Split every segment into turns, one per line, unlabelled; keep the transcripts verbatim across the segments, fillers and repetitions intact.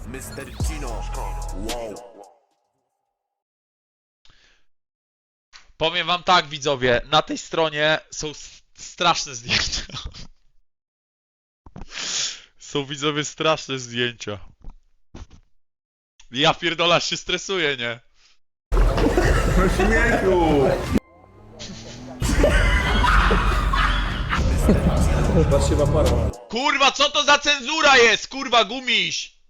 mister Gino. Wow.
Powiem wam tak, widzowie, na tej stronie są straszne zdjęcia. Są, widzowie, straszne zdjęcia. Ja pierdolę, aż się stresuję, nie?
No śmiechu! Patrzcie w aparat.
Kurwa, co to za cenzura jest, kurwa, gumiś!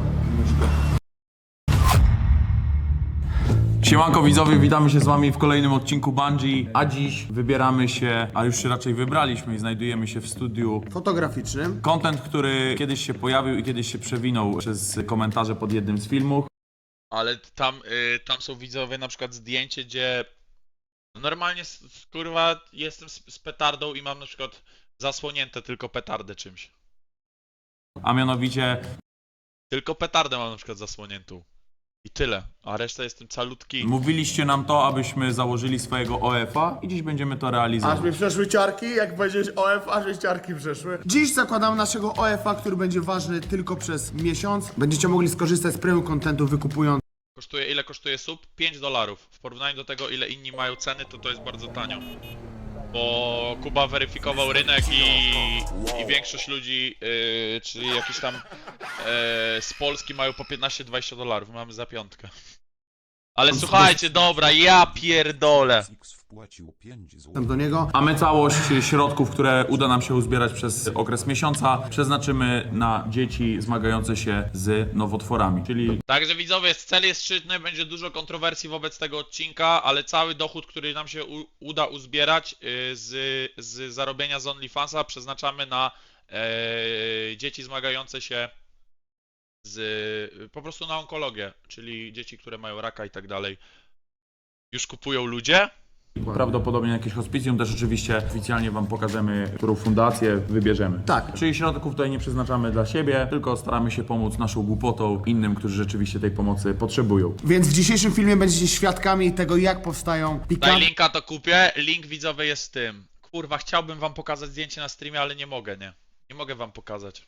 Siemanko widzowie, witamy się z wami w kolejnym odcinku Bungie, a dziś wybieramy się, a już się raczej wybraliśmy i znajdujemy się w studiu
fotograficznym.
Content, który kiedyś się pojawił i kiedyś się przewinął przez komentarze pod jednym z filmów.
Ale tam, y, tam są, widzowie, na przykład zdjęcie, gdzie normalnie, s- s- kurwa, jestem z, z petardą i mam na przykład zasłonięte tylko petardę czymś.
A mianowicie
Tylko petardę mam na przykład zasłoniętą. I tyle, a reszta jestem calutki.
mówiliście nam to, abyśmy założyli swojego O F a i dziś będziemy to realizować.
Aż mi przeszły ciarki, jak powiedziałeś O F, aż mi ciarki przeszły. Dziś zakładam naszego O F a, który będzie ważny tylko przez miesiąc. Będziecie mogli skorzystać z premium contentu wykupując
Kosztuje, ile kosztuje sub? pięć dolarów. W porównaniu do tego, ile inni mają ceny, to to jest bardzo tanio. Bo Kuba weryfikował rynek i, i większość ludzi, yy, czyli jakieś tam yy, z Polski mają po piętnaście dwadzieścia dolarów. Mamy za piątkę. Ale słuchajcie, dobra, ja pierdolę.
do niego.
A my całość środków, które uda nam się uzbierać przez okres miesiąca, przeznaczymy na dzieci zmagające się z nowotworami, czyli
Także widzowie, cel jest szczytny, będzie dużo kontrowersji wobec tego odcinka, ale cały dochód, który nam się u, uda uzbierać yy, z, z zarobienia z OnlyFansa, przeznaczamy na yy, dzieci zmagające się z, po prostu na onkologię, czyli dzieci, które mają raka i tak dalej. Już kupują ludzie.
prawdopodobnie jakieś hospicjum, też oczywiście oficjalnie wam pokażemy, którą fundację wybierzemy.
Tak.
Czyli środków tutaj nie przeznaczamy dla siebie, tylko staramy się pomóc naszą głupotą innym, którzy rzeczywiście tej pomocy potrzebują.
Więc w dzisiejszym filmie będziecie świadkami tego, jak powstają
Daj
pikantne
linka, to kupię. Link widzowy jest z tym. Kurwa, chciałbym wam pokazać zdjęcie na streamie, ale nie mogę, nie. Nie mogę wam pokazać.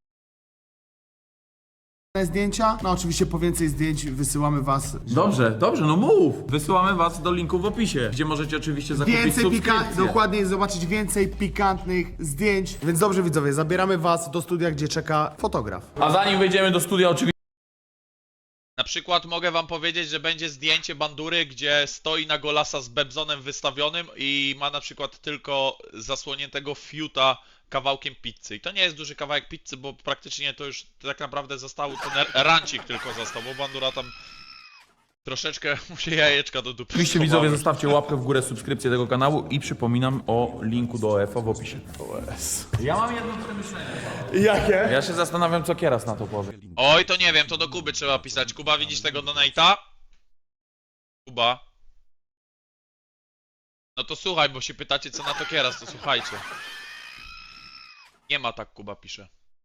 zdjęcia. No oczywiście po więcej zdjęć wysyłamy was.
Dobrze, dobrze, no mów! Wysyłamy was do linku w opisie, gdzie możecie oczywiście zakupić
Więcej
subskrypcję.
pikantnych, dokładnie zobaczyć więcej pikantnych zdjęć. Więc dobrze widzowie, zabieramy was do studia, gdzie czeka fotograf.
A zanim wejdziemy do studia, oczywiście
Na przykład mogę wam powiedzieć, że będzie zdjęcie bandury, gdzie stoi na golasa z bebzonem wystawionym i ma na przykład tylko zasłoniętego fiuta kawałkiem pizzy. I to nie jest duży kawałek pizzy, bo praktycznie to już tak naprawdę został ten rancik tylko został, bo bandura tam troszeczkę mu się jajeczka do dupy
Oczywiście
schowały.
widzowie, zostawcie łapkę w górę, subskrypcję tego kanału i przypominam o linku do O F a w opisie. Ja mam jedno przemyślenie.
Jakie?
Ja się zastanawiam, co Kieras na to powie.
Oj, to nie wiem, to do Kuby trzeba pisać. Kuba, widzisz tego donate'a? Kuba? No to słuchaj, bo się pytacie, co na to Kieras, to słuchajcie. Nie ma tak, Kuba pisze.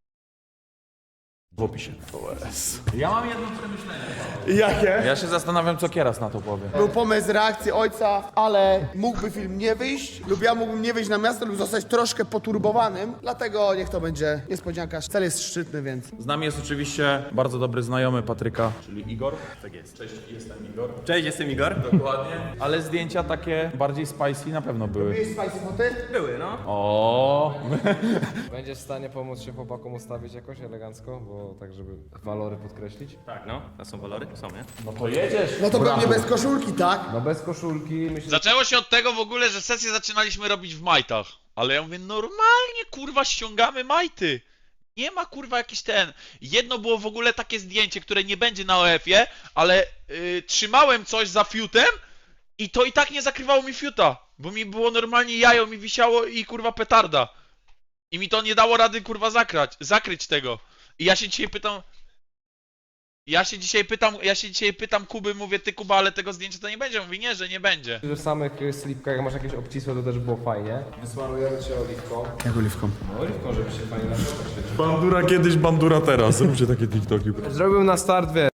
W opisie. Ja mam jedno przemyślenie.
Jakie?
Ja się zastanawiam, co Kieras na to powie.
Był pomysł reakcji ojca, ale mógłby film nie wyjść, lub ja mógłbym nie wyjść na miasto, lub zostać troszkę poturbowanym, dlatego niech to będzie niespodzianka. Cel jest szczytny, więc...
Z nami jest oczywiście bardzo dobry znajomy Patryka, czyli Igor. Tak jest. Cześć, jestem Igor.
Cześć, jestem Igor.
Dokładnie. Ale zdjęcia takie bardziej spicy na pewno były.
Jest spicy foty?
Były, no.
O.
Będziesz w stanie pomóc się chłopakom ustawić jakoś elegancko, bo tak, żeby walory podkreślić?
Tak, no. To są walory? Są, nie?
No to jedziesz.
No to
Brawo.
pewnie bez koszulki, tak?
No bez koszulki, myślę,
Zaczęło się od tego w ogóle, że sesję zaczynaliśmy robić w majtach. Ale ja mówię, normalnie kurwa ściągamy majty. Nie ma kurwa jakiś ten. Jedno było w ogóle takie zdjęcie, które nie będzie na O F-ie, ale yy, trzymałem coś za fiutem i to i tak nie zakrywało mi fiuta. Bo mi było normalnie jajo, mi wisiało i kurwa petarda. I mi to nie dało rady kurwa zakrać, zakryć tego. I ja się dzisiaj pytam... Ja się dzisiaj pytam, ja się dzisiaj pytam Kuby, mówię, ty Kuba, ale tego zdjęcia to nie będzie. Mówi, nie, że nie będzie.
że w samych y, slipkach, jak masz jakieś obcisłe, to też było fajnie. Wysmarujemy cię oliwką.
Jak oliwką?
No oliwką, żeby się fajnie na świecił.
Bandura kiedyś, bandura teraz. Róbcie takie TikToki.
Zrobił na start, wie.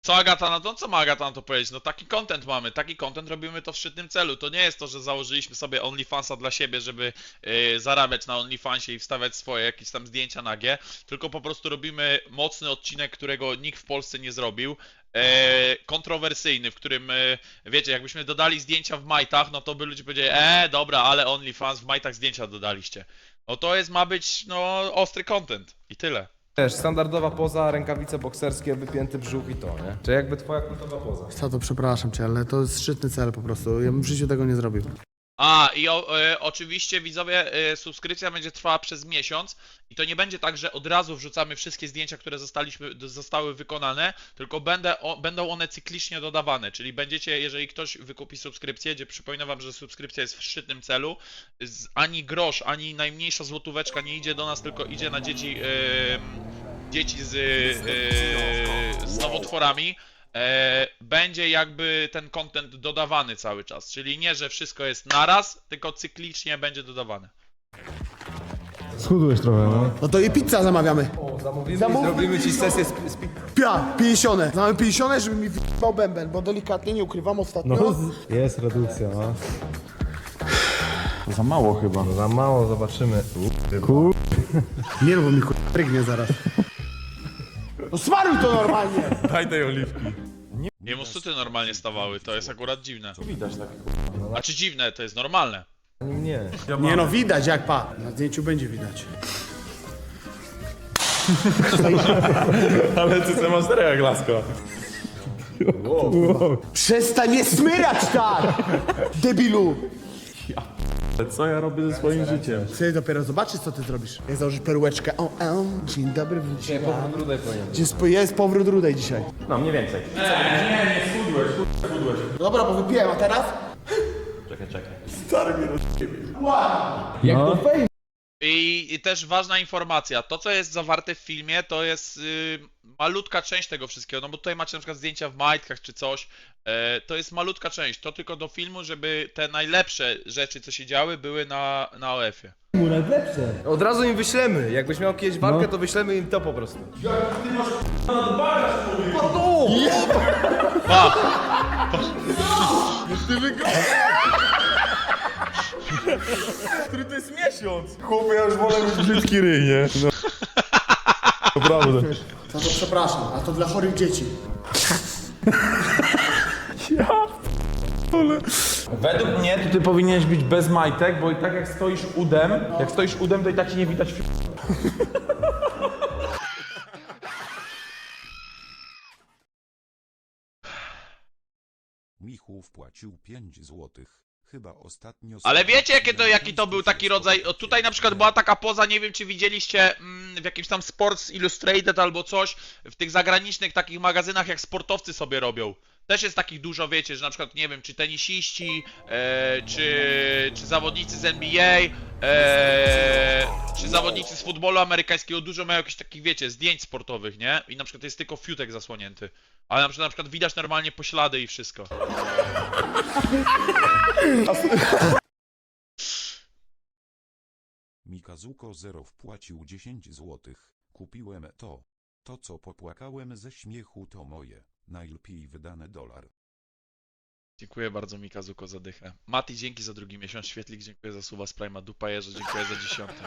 Co Agata na to? Co ma Agata na to powiedzieć? No taki content mamy, taki content robimy to w szczytnym celu. To nie jest to, że założyliśmy sobie OnlyFansa dla siebie, żeby yy, zarabiać na OnlyFansie i wstawiać swoje jakieś tam zdjęcia nagie, tylko po prostu robimy mocny odcinek, którego nikt w Polsce nie zrobił. E, kontrowersyjny, w którym, e, wiecie, jakbyśmy dodali zdjęcia w majtach, no to by ludzie powiedzieli, e, dobra, ale OnlyFans w majtach zdjęcia dodaliście. No to jest, ma być, no, ostry content i tyle.
Wiesz, standardowa poza, rękawice bokserskie, wypięty brzuch i to, nie? Czy jakby twoja kultowa poza.
Co to, przepraszam cię, ale to jest szczytny cel po prostu. Ja bym w życiu tego nie zrobił.
A, i o, e, oczywiście widzowie, e, subskrypcja będzie trwała przez miesiąc i to nie będzie tak, że od razu wrzucamy wszystkie zdjęcia, które zostaliśmy, d- zostały wykonane, tylko będę, o, będą one cyklicznie dodawane, czyli będziecie, jeżeli ktoś wykupi subskrypcję, gdzie przypominam wam, że subskrypcja jest w szczytnym celu, z, ani grosz, ani najmniejsza złotóweczka nie idzie do nas, tylko idzie na dzieci, e, dzieci z, e, z nowotworami. E, będzie jakby ten content dodawany cały czas, czyli nie, że wszystko jest naraz, tylko cyklicznie będzie dodawane.
Schudłeś trochę, no.
No to i pizza zamawiamy.
O, zamówimy
Zamówmy
i zrobimy ci
pizzę.
sesję z, z pi-
Pia, pięćdziesiąt. Mamy pięćdziesiąt, żeby mi wyjebał bęben, bo delikatnie, nie ukrywam ostatnio.
No, z- jest redukcja, no.
To za mało chyba.
Za mało, zobaczymy.
Kur...
Nie no, bo mi kurwa rygnie zaraz. No smaruj to normalnie!
Daj tej oliwki.
Nie mu suty normalnie stawały, to jest akurat dziwne.
Widać tak.
A czy dziwne, to jest normalne.
Nie.
Nie no, widać jak pa. Na zdjęciu będzie widać.
Ale ty co masz jak lasko.
Przestań nie smyrać tak! Debilu!
Co ja robię ze swoim życiem?
Chcę dopiero zobaczyć, co ty zrobisz. Jak założysz perłeczkę. O, o, dzień dobry,
Nie, powrót rudej powinien.
Gdzie spo- jest powrót rudej dzisiaj.
No, mniej więcej.
Dobra, bo wypiłem, a teraz?
Czekaj, czekaj.
I, I też ważna informacja, to co jest zawarte w filmie, to jest y, malutka część tego wszystkiego, no bo tutaj macie na przykład zdjęcia w majtkach czy coś, e, to jest malutka część, to tylko do filmu, żeby te najlepsze rzeczy, co się działy, były na, na O F-ie.
Od razu im wyślemy. Jakbyś miał kiedyś walkę, to wyślemy im to po prostu.
Pa!
Który to jest miesiąc? Chłopie, ja już wolę mieć brzydki ryj, nie? No. Naprawdę.
No to przepraszam, a to dla chorych dzieci.
Według mnie to ty powinieneś być bez majtek, bo i tak jak stoisz udem, jak stoisz udem, to i tak ci nie widać.
Michu wpłacił pięć złotych. Chyba ostatnio...
Ale wiecie jakie to, jaki to był taki rodzaj, o, tutaj na przykład była taka poza, nie wiem czy widzieliście mm, w jakimś tam Sports Illustrated albo coś, w tych zagranicznych takich magazynach jak sportowcy sobie robią. Też jest takich dużo, wiecie, że na przykład, nie wiem, czy tenisiści, e, czy, czy zawodnicy z N B A, e, czy zawodnicy z futbolu amerykańskiego, dużo mają jakichś takich, wiecie, zdjęć sportowych, nie? I na przykład jest tylko fiutek zasłonięty. Ale na przykład, na przykład widać normalnie poślady i wszystko.
Mikazuko zero wpłacił dziesięć złotych. Kupiłem to. To co popłakałem ze śmiechu to moje. Najlepiej wydane dolar.
Dziękuję bardzo Mikazuko za dychę. Mati, dzięki za drugi miesiąc. Świetlik, dziękuję za suba z Prima. Dupajerze, dziękuję za dziesiąty.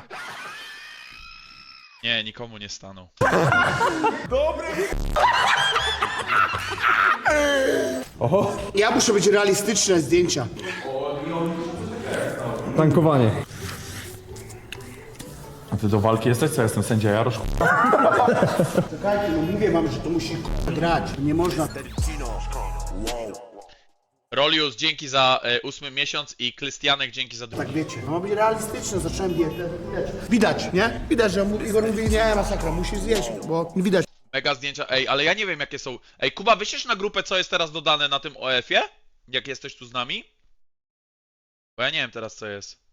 Nie, nikomu nie stanął.
Ja muszę być realistyczne zdjęcia.
Tankowanie.
A ty do walki jesteś? Co, jestem sędzia Jarosz?
Czekajcie, no mówię wam, że to musi k***a, grać. Nie można.
Rolius, dzięki za e, ósmy miesiąc i Krystianek, dzięki za drugi.
Tak wiecie, no ma być realistyczne, zacząłem dietę. Widać, widać nie? Widać, że mu- Igor mówi, nie, masakra, musisz zjeść, bo widać.
Mega zdjęcia. Ej, ale ja nie wiem jakie są. Ej, Kuba, wyślesz na grupę, co jest teraz dodane na tym O F-ie? Jak jesteś tu z nami? Bo ja nie wiem teraz, co jest.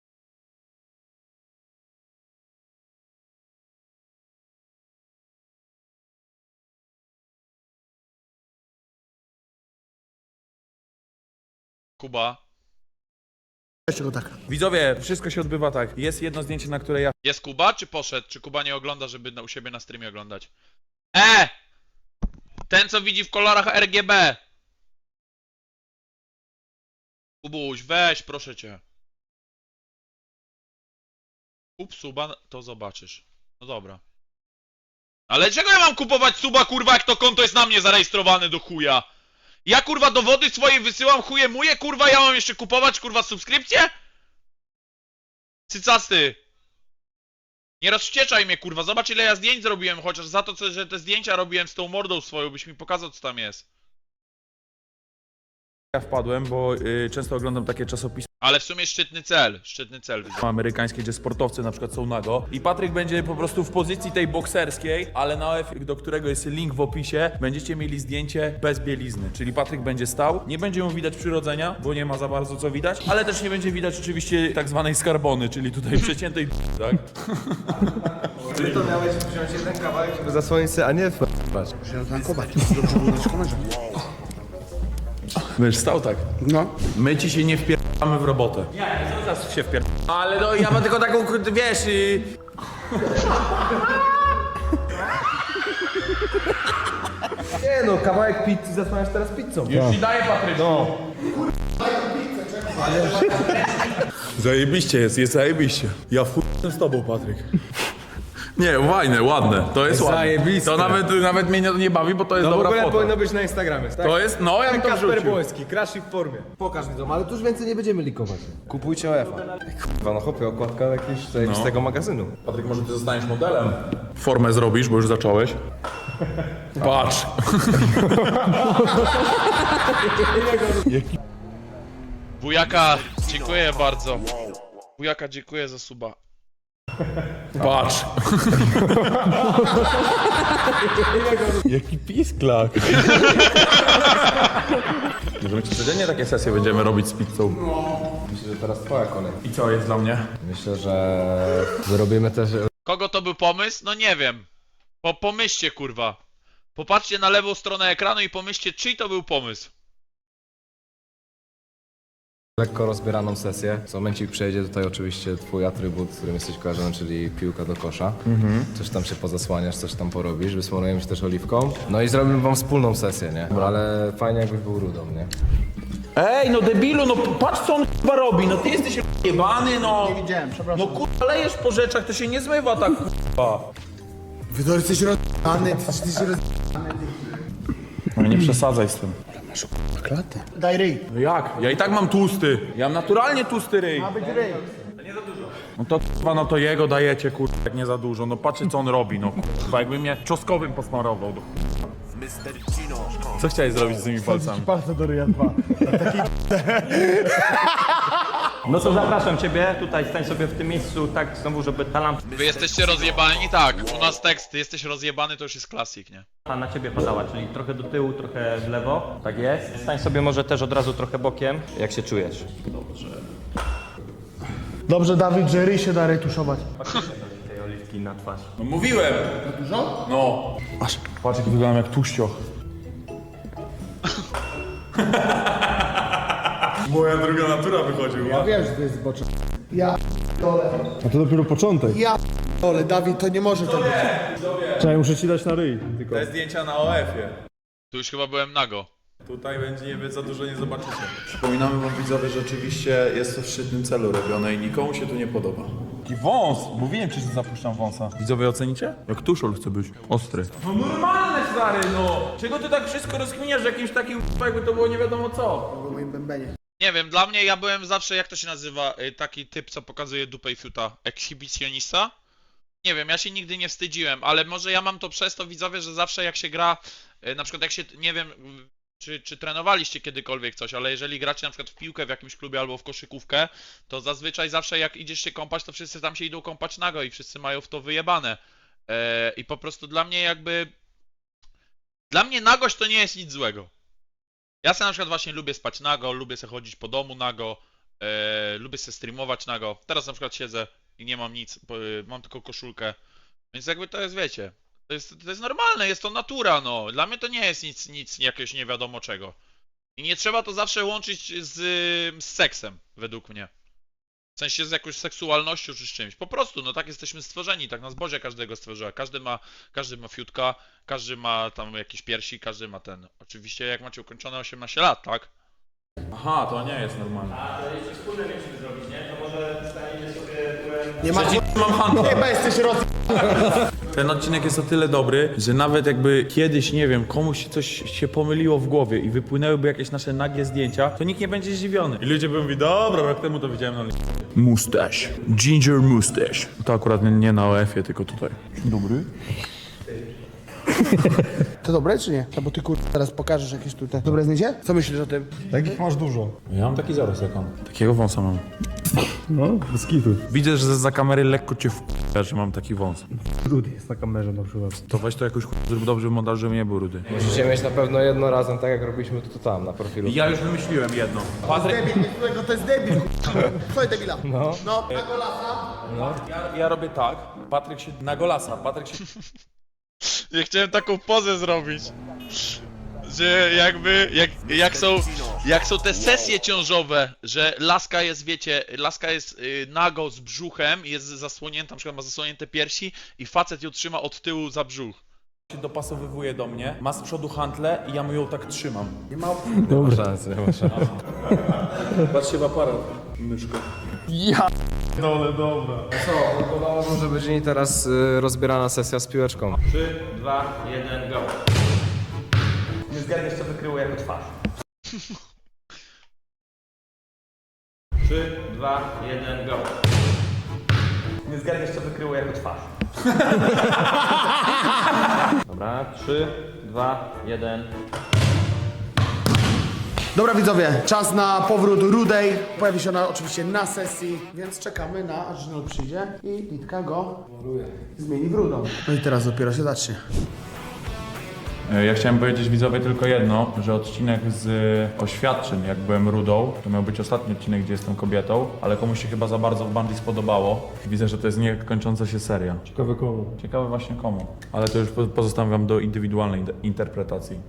Kuba.
Jeszcze go tak.
Widzowie, wszystko się odbywa tak. Jest jedno zdjęcie, na które ja
Jest Kuba, czy poszedł? Czy Kuba nie ogląda, żeby na, u siebie na streamie oglądać? E! Ten, co widzi w kolorach R G B. Kubuś, weź, proszę cię. Kup suba, to zobaczysz. No dobra. Ale czego ja mam kupować suba, kurwa, jak to konto jest na mnie zarejestrowane do chuja? Ja, kurwa, dowody swoje wysyłam, chuje muje, kurwa, ja mam jeszcze kupować, kurwa, subskrypcję? Cycasty. Nie rozwścieczaj mnie, kurwa, zobacz, ile ja zdjęć zrobiłem, chociaż za to, co, że te zdjęcia robiłem z tą mordą swoją, byś mi pokazał, co tam jest.
Ja wpadłem, bo y, często oglądam takie czasopisma
Ale w sumie szczytny cel, szczytny cel. widzę.
amerykańskie, gdzie sportowcy na przykład są nago i Patryk będzie po prostu w pozycji tej bokserskiej, ale na O F, do którego jest link w opisie, będziecie mieli zdjęcie bez bielizny, czyli Patryk będzie stał, nie będzie mu widać przyrodzenia, bo nie ma za bardzo co widać, ale też nie będzie widać oczywiście tak zwanej skarbony, czyli tutaj przeciętej tak?
Ty to miałeś wziąć jeden kawałek, żeby zasłonić sobie, a nie f***ać.
Będziesz stał tak.
No.
My ci się nie wpierdamy w robotę. Nie, zaraz się wpier... Ale no ja mam tylko taką, wiesz... Y...
Nie no, kawałek pizzy zasłaniasz teraz pizzą.
Już ci daję, Patryk. No. Zajebiście jest, jest zajebiście. Ja f***ę z tobą, Patryk. Nie, fajne, ładne. To jest ładne.
Zajebiste.
To nawet, nawet mnie nie, nie bawi, bo to jest
No w
dobra
ogóle
foto.
powinno być na Instagramie, tak?
To jest, no ja bym to
Kasper
wrzucił.
Błoński, Crash w formie. Pokaż mi to, ale tu już więcej nie będziemy likować. Kupujcie O F a. Kurwa, no chłopie, okładka jakiegoś zajebistego magazynu.
Patryk, może ty zostaniesz modelem? Formę zrobisz, bo już zacząłeś. Patrz.
Wujaka, dziękuję bardzo. Wujaka, dziękuję za suba.
Patrz. Jaki pisklak. Może my codziennie takie sesje będziemy robić z pizzą.
Myślę, że teraz twoja kolej.
I co jest dla mnie?
Myślę, że wyrobimy też...
Kogo to był pomysł? No nie wiem. Po, pomyślcie, kurwa. Popatrzcie na lewą stronę ekranu i pomyślcie, czyj to był pomysł.
lekko rozbieraną sesję. Co momencik przejdzie tutaj oczywiście twój atrybut, z którym jesteś kojarzony, czyli piłka do kosza. Coś tam się pozasłaniasz, coś tam porobisz, wysmarujemy się też oliwką. No i zrobimy wam wspólną sesję, nie? Ale fajnie jakbyś był rudą, nie?
Ej, no debilu, no patrz co on chyba robi, no ty jesteś jebany, no.
Nie widziałem, przepraszam.
No kurwa, lejesz po rzeczach, to się nie zmywa tak kurwa.
Wy to jesteś roz***any, ty jesteś roz***any.
No nie przesadzaj z tym.
Klatę. Daj ryj.
No jak? Ja i tak mam tłusty. Ja mam naturalnie tłusty ryj.
Ma być ryj.
No to kurwa, no to jego dajecie kurwa, jak nie za dużo. No patrzcie co on robi, no kurwa, jakby mnie czosnkowym posmarował. No. Co chciałeś zrobić z tymi palcami?
Palce do ryja dwa.
No to zapraszam ciebie, tutaj stań sobie w tym miejscu, tak znowu, żeby ta lampa
Wy jesteście rozjebani? Tak, u nas tekst, ty jesteś rozjebany, to już jest klasik, nie?
na ciebie padała, czyli trochę do tyłu, trochę w lewo. Tak jest. Stań sobie może też od razu trochę bokiem. Jak się czujesz?
Dobrze, Dawid, że ryj się da retuszować.
Tej oliwki na twarz.
No mówiłem. Za dużo? No. Aż. Patrz jak wyglądam jak tuścioch. Moja druga natura wychodziła.
Wiem, że to jest zbocze. Ja dole.
A to dopiero początek.
Ja dole, Dawid, to nie może to być.
Czekaj, muszę ci dać na ryj. Tylko.
Te zdjęcia na O F-ie.
Tu już chyba byłem nago.
Tutaj będzie nie za dużo nie zobaczycie. Przypominamy wam widzowie, że oczywiście jest to w szczytnym celu robione i nikomu się tu nie podoba. Taki wąs! Mówiłem ci, że zapuszczam wąsa. Widzowie ocenicie? Jak tuszol chce być. Ostry. No normalne stary, no! Czego ty tak wszystko rozkminiasz jakimś takim jakby to było nie wiadomo co?
W moim bębenie.
Nie wiem, dla mnie ja byłem zawsze, jak to się nazywa, y, taki typ, co pokazuje dupę i fiuta, ekshibicjonista. Nie wiem, ja się nigdy nie wstydziłem, ale może ja mam to przez to, widzowie, że zawsze jak się gra, y, na przykład jak się, nie wiem, y, czy, czy trenowaliście kiedykolwiek coś, ale jeżeli gracie na przykład w piłkę w jakimś klubie albo w koszykówkę, to zazwyczaj zawsze jak idziesz się kąpać, to wszyscy tam się idą kąpać nago i wszyscy mają w to wyjebane. E, I po prostu dla mnie jakby... Dla mnie nagość to nie jest nic złego. Ja sobie na przykład właśnie lubię spać nago, lubię sobie chodzić po domu nago, e, lubię sobie streamować nago. Teraz na przykład siedzę i nie mam nic, bo, e, mam tylko koszulkę. Więc jakby to jest, wiecie, to jest, to jest normalne, jest to natura, no. Dla mnie to nie jest nic, nic jakiegoś nie wiadomo czego. I nie trzeba to zawsze łączyć z, z seksem, według mnie. W sensie z jakąś seksualnością czy z czymś. Po prostu, no tak jesteśmy stworzeni, tak nas Boże każdego stworzyła. Każdy ma, każdy ma fiutka, każdy ma tam jakieś piersi, każdy ma ten. Oczywiście jak macie ukończone osiemnaście lat, tak?
Aha, to nie jest normalne.
Nie ma
Mam handel.
chyba jesteś roz...
Ten odcinek jest o tyle dobry, że nawet jakby kiedyś, nie wiem, komuś coś się pomyliło w głowie i wypłynęłyby jakieś nasze nagie zdjęcia, to nikt nie będzie zdziwiony. I ludzie by mówili, dobra, rok temu to widziałem na li... Mustache. Ginger mustache. To akurat nie, nie na O F-ie, tylko tutaj. Dobry.
To dobre czy nie? No bo ty kur... teraz pokażesz jakieś tutaj dobre zdjęcie? Co myślisz o tym?
Takich masz dużo.
Ja mam taki zaraz jak on. Takiego wąsa mam.
No, bez kitu.
Widzę, że za kamery lekko cię w***a, że mam taki wąs.
Rudy jest na kamerze na przykład.
To weź to jakoś ch- zrób dobrze montaż, żeby nie był rudy.
Musicie mieć na pewno jedno razem, tak jak robiliśmy to, to tam, na profilu.
Ja już wymyśliłem jedno.
Debil, którego to jest debil. Słuchaj debila. No. No, na golasa.
Ja, ja robię tak, Patryk się na golasa, Patryk się...
Ja chciałem taką pozę zrobić. Że jakby, jak, jak są, jak są te sesje ciążowe, że laska jest, wiecie, laska jest y, nago z brzuchem, jest zasłonięta, na przykład ma zasłonięte piersi i facet ją trzyma od tyłu za brzuch.
się dopasowywuje do mnie, ma z przodu hantle i ja mu ją tak trzymam.
Nie ma szansy, nie ma szansy.
Patrzcie w aparat, myszko.
Dole, dobra.
Co, może być i teraz y, rozbierana sesja z piłeczką.
trzy, dwa, jeden, go. Nie zgadniesz, co wykryło jako twarz. trzy, dwa, jeden, go. Nie zgadniesz, co wykryło jako twarz. Dobra, trzy, dwa, jeden.
Dobra widzowie, czas na powrót Rudej. Pojawi się ona oczywiście na sesji, więc czekamy na aż Żynol przyjdzie i Litka go zmieni w rudą. No i teraz dopiero się zacznie.
Ja chciałem powiedzieć widzowie tylko jedno, że odcinek z oświadczeń, jak byłem rudą, to miał być ostatni odcinek, gdzie jestem kobietą, ale komuś się chyba za bardzo w Bungie spodobało. Widzę, że to jest niekończąca się seria.
Ciekawe komu.
Ciekawe właśnie komu. Ale to już po- pozostawiam wam do indywidualnej inter- interpretacji.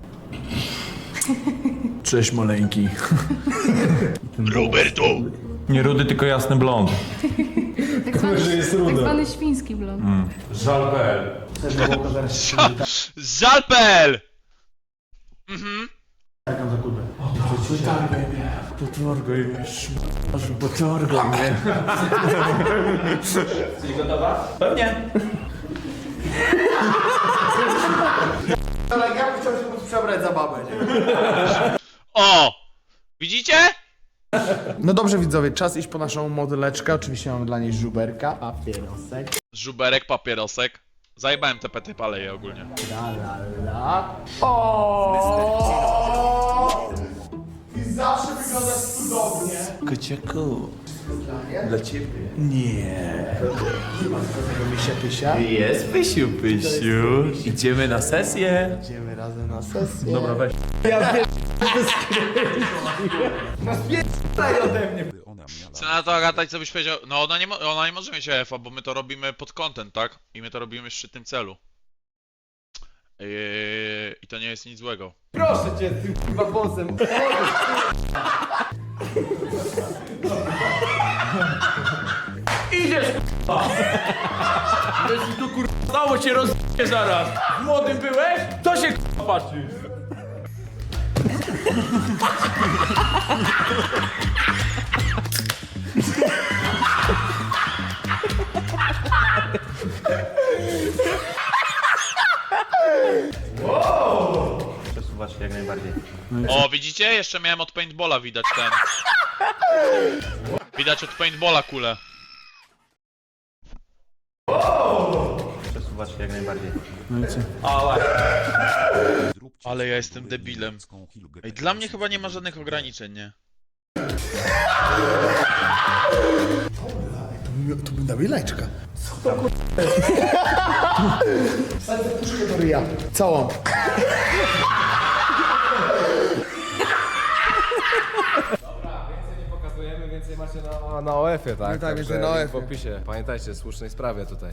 Cześć maleńki.
Roberto!
Nie rudy, tylko jasny blond.
Tak zwany,
że jest
tak
rude.
zwany świński blond.
Żal kropka p l.
Też by było zaraz się
Żalpel! Mhm.
czekam za kubę.
Potorgaj mnie, szmasz, potorgaj mnie.
Jesteś gotowa?
Pewnie.
Ale ja bym chciał się móc przebrać za babę, nie?
O! Widzicie?
No dobrze widzowie, czas iść po naszą modeleczkę. Oczywiście mamy dla niej żuberka, papierosek.
Żuberek, papierosek. Zajebałem te pety paleje ogólnie.
La la la. O! I zawsze wyglądasz cudownie.
Kociaku. Dla ciebie? Nie.
Nie ma tego misia pysia.
Jest Pysiu, Pysiu. Idziemy na sesję.
Idziemy razem na sesję.
Dobra, weź.
By ona miała
Co na to Agata, co byś powiedział? No ona nie, mo- ona nie może mieć E F a, bo my to robimy pod content, tak? I my to robimy w szczytnym celu. Yy, I to nie jest nic złego.
Proszę cię, tym chyba bossem.
Dało cię roz... zaraz. Młodym byłeś? To się k***a patrzy.
Przesuwasz się jak najbardziej.
O, widzicie? Jeszcze miałem od paintballa widać ten. Widać od paintballa kulę.
Przesuwasz się jak najbardziej.
zróbcie
Ale ja
sobie
jestem debilem.
męską Hilgę
Ej, dla mnie chyba nie ma żadnych ograniczeń, nie?
To by dał lajczka. Co to kur... Wsadzę puszkę do ryja. Całą.
Pokazujemy, więcej macie na, na O F-ie, tak?
No tak,
Także
więcej na O F-ie.
link w opisie. Pamiętajcie, słusznej sprawie tutaj.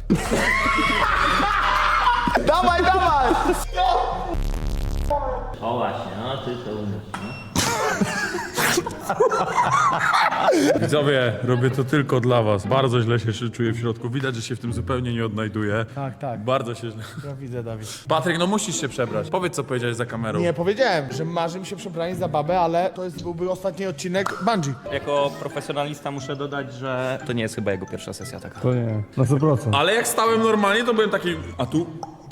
Dawaj, dawaj!
O właśnie, no ty to umiesz, no.
Widzowie, robię to tylko dla was. Bardzo źle się czuję w środku. Widać, że się w tym zupełnie nie odnajduję.
Tak, tak.
Bardzo się źle.
Ja widzę, Dawid.
Patryk, no musisz się przebrać. Powiedz, co powiedziałeś za kamerą.
Nie, powiedziałem, że marzy mi się przebranie za babę, ale to jest, byłby ostatni odcinek Bungie.
Jako profesjonalista muszę dodać, że to nie jest chyba jego pierwsza sesja taka.
To nie, na sto procent.
Ale jak stałem normalnie, to byłem taki... A tu?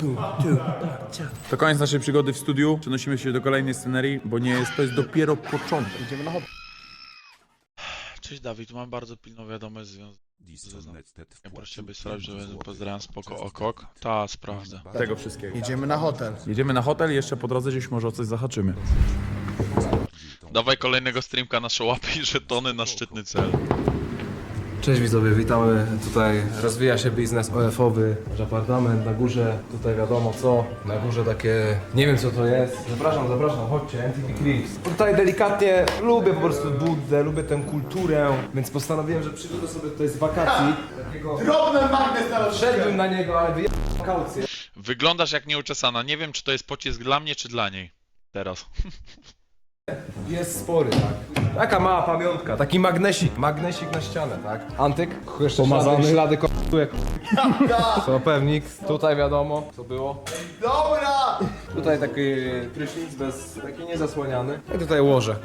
To koniec naszej przygody w studiu. Przenosimy się do kolejnej scenerii, bo nie jest, to jest dopiero początek.
Idziemy na hop.
Cześć Dawid, mam bardzo pilną wiadomość związaną. Ja proszę by sprawdzić, że będę pozdrawiam spoko okok. Ta, sprawdzę.
Tego wszystkiego.
Jedziemy na hotel.
Jedziemy na hotel i jeszcze po drodze gdzieś może o coś zahaczymy.
Dawaj kolejnego streamka na szałapy i żetony na szczytny cel.
Cześć widzowie, witamy. Tutaj rozwija się biznes O F-owy, nasz apartament na górze, tutaj wiadomo co, na górze takie, nie wiem co to jest. Zapraszam, zapraszam, chodźcie, N T V Clips. Tutaj delikatnie lubię po prostu Buddę, lubię tę kulturę, więc postanowiłem, że przyjdę sobie tutaj z wakacji. Takiego...
Drobny magnes na
Szedłbym na niego, ale wyjechałem kaucję.
Wyglądasz jak nieuczesana. Nie wiem, czy to jest pocisk dla mnie, czy dla niej. Teraz.
Jest spory, tak. Taka mała pamiątka, taki magnesik, magnesik na ścianę, tak. Antyk, jeszcze
Pomazany.
ślady, ślady k***uje. To pewnik, tutaj wiadomo, co było.
Dobra!
Tutaj taki prysznic bez, taki niezasłaniany. I tutaj łoże.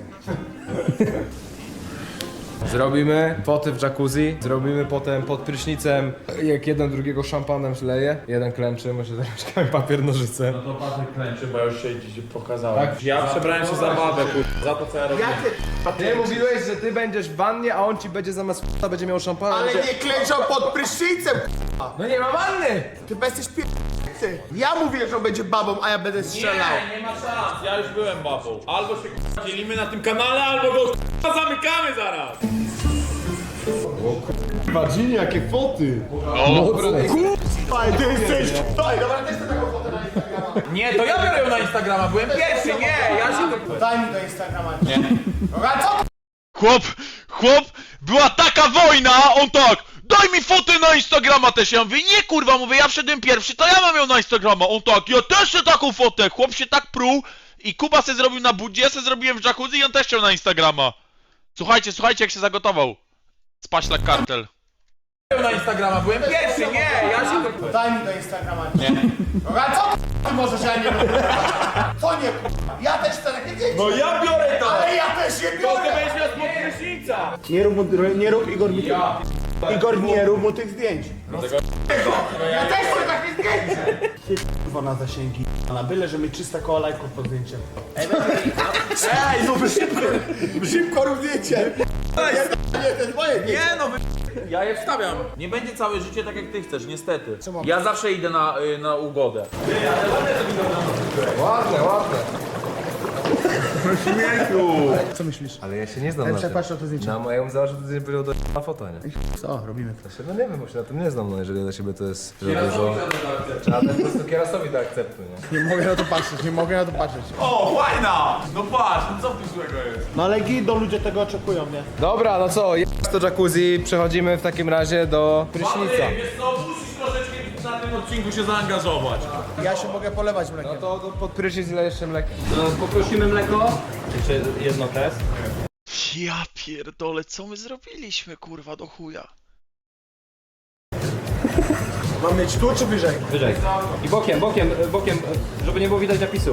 Zrobimy poty w jacuzzi, zrobimy potem pod prysznicem, jak jeden drugiego szampanem leje. Jeden klęczy, może zaraz papier, nożyce.
No to Patryk klęczy, bo ja już się dziś pokazałem. Tak? Ja przebrałem się za babę, kur... za to co ja robię.
Ty mówiłeś, że ty będziesz w wannie, a on ci będzie zamiast f***a będzie miał szampana.
Ale
będzie...
nie klęczał pod prysznicem,
No nie ma wanny!
ty bez jesteś p***ty. Ja mówię, że on będzie babą, a ja będę strzelał.
nie ma szans, ja już byłem babą. Albo się k***a dzielimy na tym kanale, albo go k***a zamykamy zaraz.
Wadzini, jakie foty!
O,
Faj, ty jesteś! Daj, dobra, też chcę taką fotę na Instagrama.
Nie, to ja biorę ją na Instagrama, byłem pierwszy, nie, ja się to...
Daj mi do Instagrama. Nie. Dobra, co?
chłop, chłop, była taka wojna, a on tak, daj mi fotę na Instagrama też. Ja mówię, nie kurwa, mówię, ja wszedłem pierwszy, to ja mam ją na Instagrama. On tak, ja też chcę taką fotę. Chłop się tak pruł i Kuba se zrobił na budzie, ja se zrobiłem w jacuzzi i on też chciał na Instagrama. Słuchajcie, słuchajcie jak się zagotował. Spaślak kartel.
na Instagrama, byłem pierwszy, nie, ja się to...
Daj mi do Instagrama. Nie. Dobra, co ty możesz, ja nie lubię? Co nie k***a? Ja też chcę takie dzieci.
No ja biorę to!
Ale ja też je
To ty
biorę!
będziesz miał spod prysznica!
Nie rób, mu, nie rób Igor mi ja. Igor, nie rób mu tych zdjęć. No ja też chcę takie zdjęcie! Ty k***wa na zasięgi. Na byle, że mi trzysta koła lajków pod zdjęciem. Ej, no by szybko, szybko rób zdjęcie! Nie, to jest moje zdjęcie.
Nie no, wy... ja je wstawiam. Nie będzie całe życie tak jak ty chcesz, niestety. Ja zawsze idę na, y, na ugodę.
Ładne, ładne.
Śmiechu!
Co myślisz?
Ale ja się nie znam
Ten
na tym.
przepatrz na to zdjęcie.
No, ja bym założył, że to nie było do na foto, nie?
Co, robimy to.
No nie wiem, bo się na tym nie znam, no jeżeli dla siebie to jest że dużo... Trzeba po prostu kierasowi do akceptu, nie?
Nie mogę na to patrzeć, nie mogę na to patrzeć.
O, fajna! No patrz, no co tu złego jest?
No ale gido, ludzie tego oczekują, nie?
Dobra, no co, jest to jacuzzi, przechodzimy w takim razie do prysznica.
Wiesz co, musisz troszeczkę na tym odcinku się zaangażować.
Ja się mogę polewać mlekiem.
No to, to pod prysznic ile jeszcze mlekiem?
No, poprosimy mleko. Jeszcze jedno test.
Ja pierdolę, co my zrobiliśmy kurwa do chuja.
Mam mieć tu czy wyżej?
Wyżej. I bokiem, bokiem, bokiem, żeby nie było widać napisu.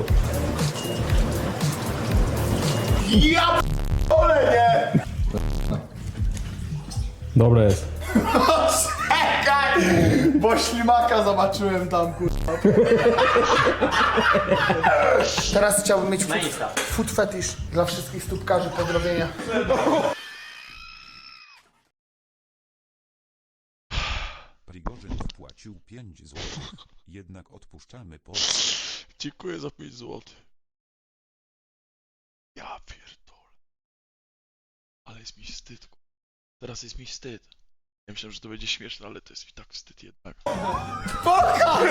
Ja p***ole, nie!
Dobre jest.
Czekaj! Bo ślimaka zobaczyłem tam, kurwa. Teraz chciałbym mieć food, food fetish dla wszystkich stópkarzy, pozdrowienia.
Prigorzyn wpłacił pięć złotych. Jednak odpuszczamy po...
Dziękuję za pięć złotych. Ja pierdolę. Ale jest mi wstyd. ku- Teraz jest mi wstyd. Ja myślałem, że to będzie śmieszne, ale to jest mi tak wstyd jednak.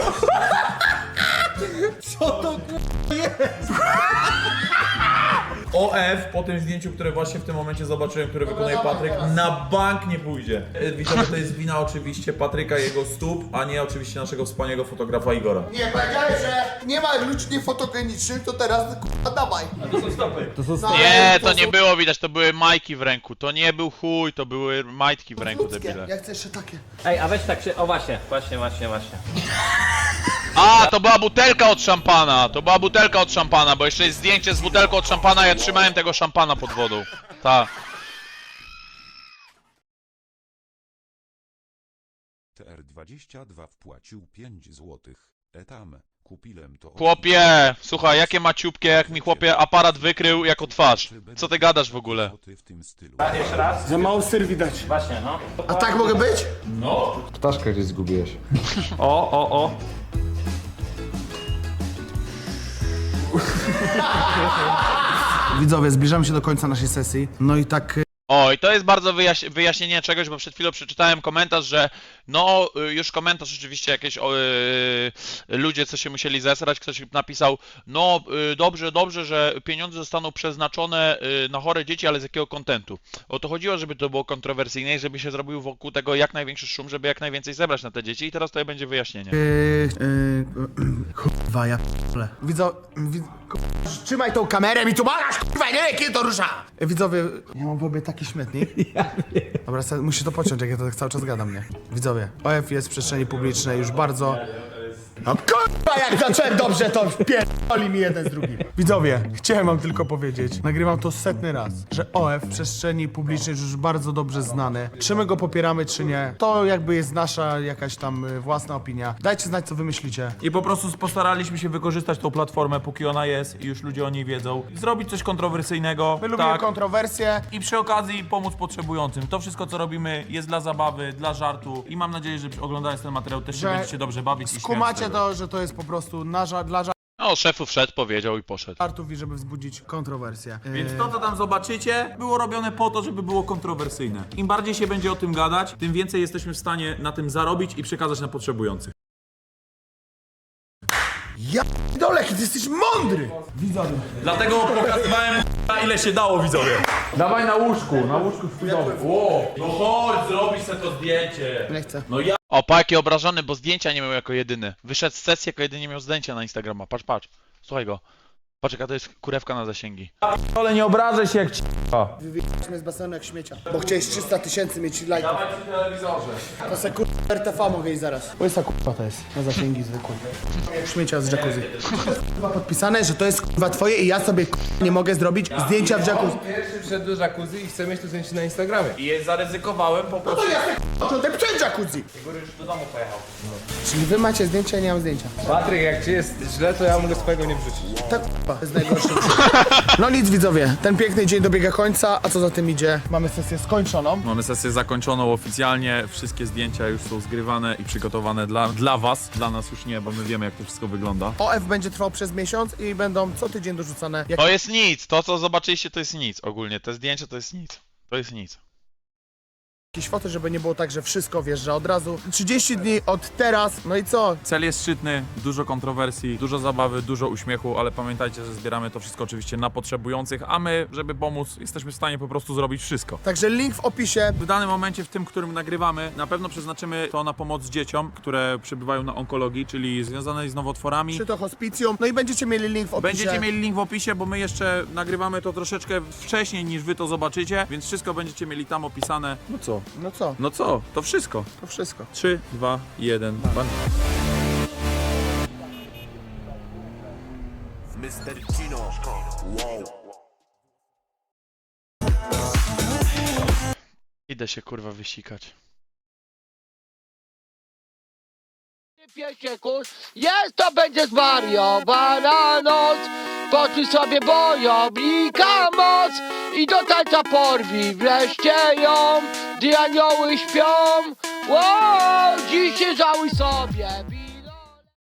Co to kurwa jest?
O F po tym zdjęciu, które właśnie w tym momencie zobaczyłem, które wykonuje Patryk, na bank nie pójdzie. E, Widzowie, to jest wina oczywiście Patryka i jego stóp, a nie oczywiście naszego wspaniałego fotografa Igora.
Nie, powiedziałeś, że nie ma ludzi niefotogenicznych, to teraz k***a dawaj.
To są stopy.
To są
No,
Nie,
to
to nie
są-
było widać, to były majki w ręku. To nie był chuj, to były majtki w ręku,
Ludzkie.
debile.
Ja chcę jeszcze takie.
Ej, a weź tak się, o właśnie, właśnie, właśnie, właśnie.
A, to była butelka od szampana, to była butelka od szampana, bo jeszcze jest zdjęcie z butelką od szampana, ja trzymałem tego szampana pod wodą. Tak.
T R dwadzieścia dwa wpłacił pięć złotych. Etam, kupiłem to...
Chłopie, słuchaj, jakie maciupkie, jak mi chłopie aparat wykrył jako twarz. Co ty gadasz w ogóle?
W tym stylu.
Jeszcze raz?
Za mało syr widać.
Właśnie, no.
A tak mogę być?
Ptaszkę gdzieś zgubiłeś.
O, o, o.
Widzowie, zbliżamy się do końca naszej sesji. No i tak...
O, i to jest bardzo wyjaś wyjaśnienie czegoś, bo przed chwilą przeczytałem komentarz, że no, y, już komentarz oczywiście jakieś o, y, ludzie, co się musieli zesrać, ktoś napisał, no y, dobrze, dobrze, że pieniądze zostaną przeznaczone y, na chore dzieci, ale z jakiego kontentu? O to chodziło, żeby to było kontrowersyjne i żeby się zrobił wokół tego jak największy szum, żeby jak najwięcej zebrać na te dzieci i teraz to będzie wyjaśnienie.
Yy, yy, kurwa, ja p***le. Widzo... Wid... Trzymaj tą kamerę mi tu magasz, kurwa, nie wiem, kiedy to rusza! Widzowie, ja mam w obie taki śmietnik. Dobra, se- musisz to pociąć, jak ja to tak cały czas gadam, nie? Widzowie, O F jest w przestrzeni publicznej już bardzo... No kurwa, jak zacząłem dobrze, to pierdoli mi jeden z drugim. Widzowie, chciałem wam tylko powiedzieć, nagrywam to setny raz, że O F w przestrzeni publicznej jest już bardzo dobrze znany. Czy my go popieramy, czy nie, to jakby jest nasza jakaś tam y, własna opinia. Dajcie znać, co wy myślicie.
I po prostu postaraliśmy się wykorzystać tą platformę, póki ona jest i już ludzie o niej wiedzą. Zrobić coś kontrowersyjnego.
My lubimy
tak.
kontrowersje.
I przy okazji pomóc potrzebującym. To wszystko, co robimy, jest dla zabawy, dla żartu i mam nadzieję, że oglądając ten materiał też się
Że
będziecie dobrze bawić i śmiać z
Skumacie
tego.
to, że to jest po prostu na ża- dla
No, szefu wszedł, powiedział i poszedł.
żartów i żeby wzbudzić kontrowersję.
Więc to, co tam zobaczycie, było robione po to, żeby było kontrowersyjne. Im bardziej się będzie o tym gadać, tym więcej jesteśmy w stanie na tym zarobić i przekazać na potrzebujących.
Ja dolek, ty jesteś mądry! Widzowie.
Dlatego pokazywałem na ile się dało, widzowie. Dawaj na łóżku, na łóżku w Wow. No chodź, zrobisz sobie to zdjęcie.
Nie chcę.
No ja...
O, pa, jaki obrażony, bo zdjęcia nie miał jako jedyny. Wyszedł z sesji, jako jedynie miał zdjęcia na Instagrama. Patrz, patrz. Słuchaj go. Patrz, jaka to jest kurewka na zasięgi.
Ale nie obrażę się jak ci...
Wywijaliśmy z basenu jak śmiecia. Bo chciałeś trzysta tysięcy mieć lajków.
Dawaj przy telewizorze.
To se kurwa R T V mogę iść zaraz. Łysa kurwa to jest. Na zasięgi zwykłe. Śmiecia z jacuzzi. Kurwa podpisane, że to jest kurwa twoje i ja sobie kurwa nie mogę zrobić zdjęcia w jacuzzi.
Pierwszy wszedł do jacuzzi i chce mieć to zdjęcie na Instagramie.
I je zaryzykowałem po
No
prostu.
to ja se początek przed jacuzzi.
Góry już do domu pojechał.
Czyli wy macie zdjęcia, ja nie mam zdjęcia.
Patryk, jak ci jest źle, to ja mogę swojego nie wrzucić.
Tak kurwa, to jest najgorsze. No nic widzowie, ten piękny dzień dobiega końca, a co za tym idzie? Mamy sesję skończoną.
Mamy sesję zakończoną oficjalnie, wszystkie zdjęcia już są zgrywane i przygotowane dla, dla was, dla nas już nie, bo my wiemy jak to wszystko wygląda.
O F będzie trwał przez miesiąc i będą co tydzień dorzucane jak
To jest nic, to co zobaczyliście to jest nic ogólnie, te zdjęcia to jest nic. To jest nic.
jakieś foty, żeby nie było tak, że wszystko wjeżdża od razu. trzydzieści dni od teraz, no i co?
Cel jest szczytny, dużo kontrowersji, dużo zabawy, dużo uśmiechu, ale pamiętajcie, że zbieramy to wszystko oczywiście na potrzebujących, a my, żeby pomóc, jesteśmy w stanie po prostu zrobić wszystko.
Także link w opisie.
W danym momencie, w tym, którym nagrywamy, na pewno przeznaczymy to na pomoc dzieciom, które przebywają na onkologii, czyli związanej z nowotworami.
Czy to hospicjum, no i będziecie mieli link w opisie.
Będziecie mieli link w opisie, bo my jeszcze nagrywamy to troszeczkę wcześniej niż wy to zobaczycie, więc wszystko będziecie mieli tam opisane. No co?
No co?
No co? To wszystko.
To wszystko.
trzy, dwa, jeden. Ban.
Idę się kurwa wysikać.
pięć sekund, jest to będzie zwariowana noc. Poczuj sobie bojownika moc i do tańca porwi wreszcie ją, gdy anioły śpią. Wow, dziś się żałuj sobie.